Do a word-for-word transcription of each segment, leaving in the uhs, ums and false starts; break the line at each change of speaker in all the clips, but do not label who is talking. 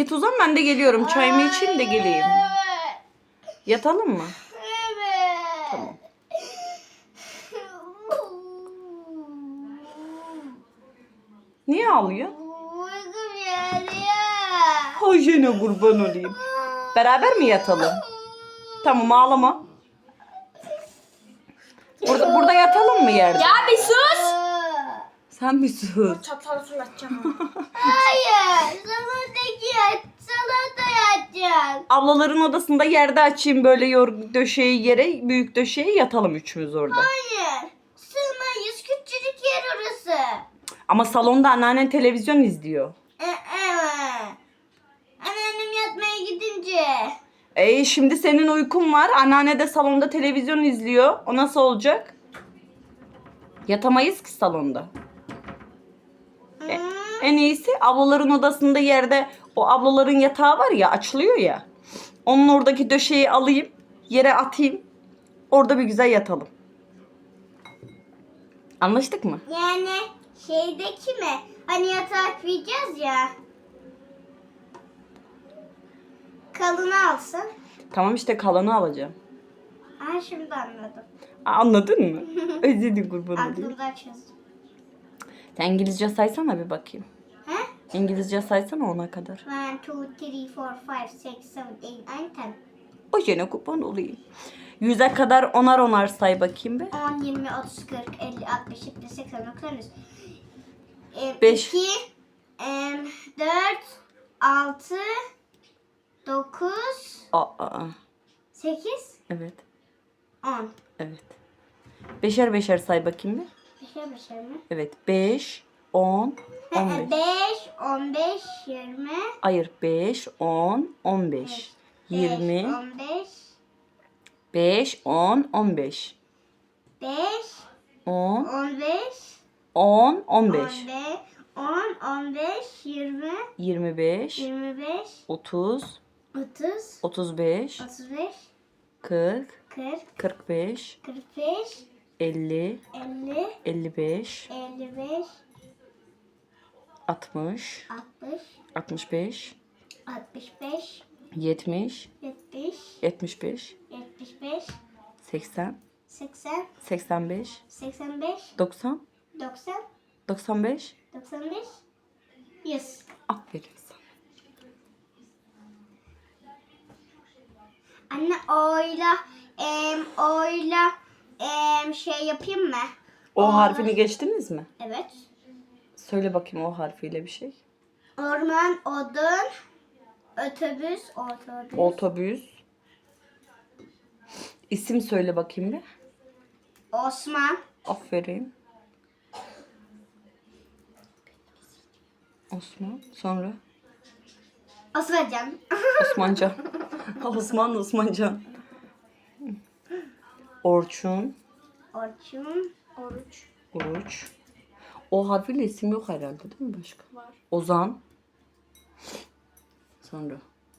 Git uzan, ben de geliyorum. Çayımı içeyim de geleyim. Yatalım mı?
Evet.
Tamam. Niye ağlıyor?
Uykum geliyor.
Hojene kurban olayım. Beraber mi yatalım? Tamam, ağlama. Burada, burada yatalım mı yerde?
Ya bir sus.
Sen bir sus.
Çatalı fırlatacağım.
Hayır. Salondaki yat. Salonda yatacağım.
Ablaların odasında yerde açayım böyle yor döşeği yere, büyük döşeğe yatalım üçümüz orada.
Hayır. Sığmayız. Küçücük yer orası.
Ama salonda anneannen televizyon izliyor.
Evet. Anneannem yatmaya gidince.
E şimdi senin uykun var. Anneanne de salonda televizyon izliyor. O nasıl olacak? Yatamayız ki salonda. E, en iyisi ablaların odasında yerde o ablaların yatağı var ya, açılıyor ya. Onun oradaki döşeği alayım. Yere atayım. Orada bir güzel yatalım. Anlaştık mı?
Yani şeydeki mi? Hani yatak koyacağız ya. Kalını alsın.
Tamam işte, kalanı alacağım.
Aa, şimdi anladım.
Anladın mı? Özledim, kurban olayım.
Aklımda çözdüm.
Sen İngilizce saysana bir bakayım.
He?
İngilizce saysana ona kadar.
one, two, three, four, five, six, seven, eight, nine, ten.
O yine kurban olayım. Yüze kadar onar onar say bakayım be.
on, yirmi, otuz, kırk, elli, altmış, yetmiş, seksen, doksan, yüz.
Beş.
iki, dört, altı, dokuz,
Aa, aa.
sekiz,
Evet.
on.
Evet. Beşer beşer say bakayım bir.
Beşer beşer mi?
Evet. Beş, on, on beş.
beş, on beş, yirmi.
Hayır. Beş, on, on beş. Yirmi.
on beş,
Beş, on, on beş.
beş,
On,
on beş,
on, on beş.
on, on beş, yirmi,
Yirmi beş.
yirmi beş,
Otuz.
otuz,
Otuz beş.
otuz beş,
Kırk.
kırk,
Kırk beş.
kırk beş,
Elli.
elli,
Elli beş.
elli beş,
Altmış.
altmış,
Altmış beş.
altmış beş,
Yetmiş.
yetmiş,
Yetmiş beş.
yetmiş beş,
Seksen.
seksen,
Seksen beş.
seksen beş,
Doksan.
doksan,
Doksan beş.
doksan beş, yüz.
Aferin sana.
Anne oyla, em, oyla, em, şey yapayım mı?
O harfini geçtiniz mi?
Evet.
Söyle bakayım o harfiyle bir şey.
Orman, odun, otobüs, otobüs.
Otobüs. İsim söyle bakayım bir.
Osman,
Aferin. Osman. Sonra
Osmancan.
Osmancan. Osman Osmancan. Orçun.
Orçun,
Oruç.
Oruç. O harfiyle isim yok herhalde, değil mi başka?
Var.
Ozan. Sonra.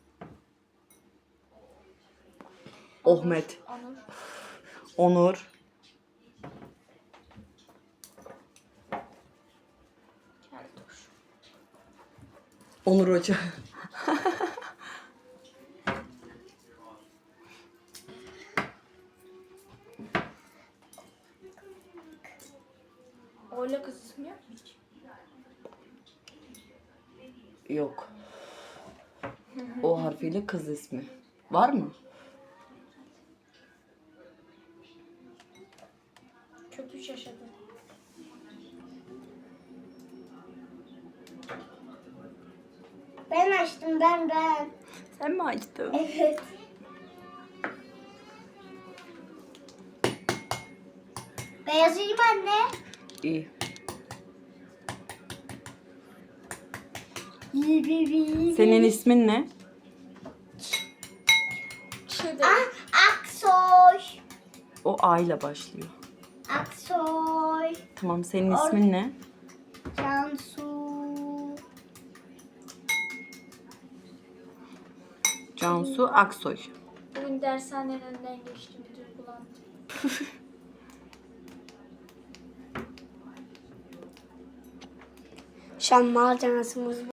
Ahmet.
Onur.
Onur.
Keltoş.
Onur Hoca.
Öyle kız ismi yok mu hiç?
Yok. O harfiyle kız ismi. Var mı?
Kötü şaşırdım.
Ben açtım, ben ben.
Sen mi açtın?
Evet. Beyazıyım anne.
İyi. Senin ismin ne?
Şey de.
Ah, Aksoy.
O A ile başlıyor.
Aksoy.
Tamam, senin ismin ne?
Cansu.
Cansu Aksoy.
Bugün dershanenin önünden geçtim. Bir duygulandım.
Şu an malzememiz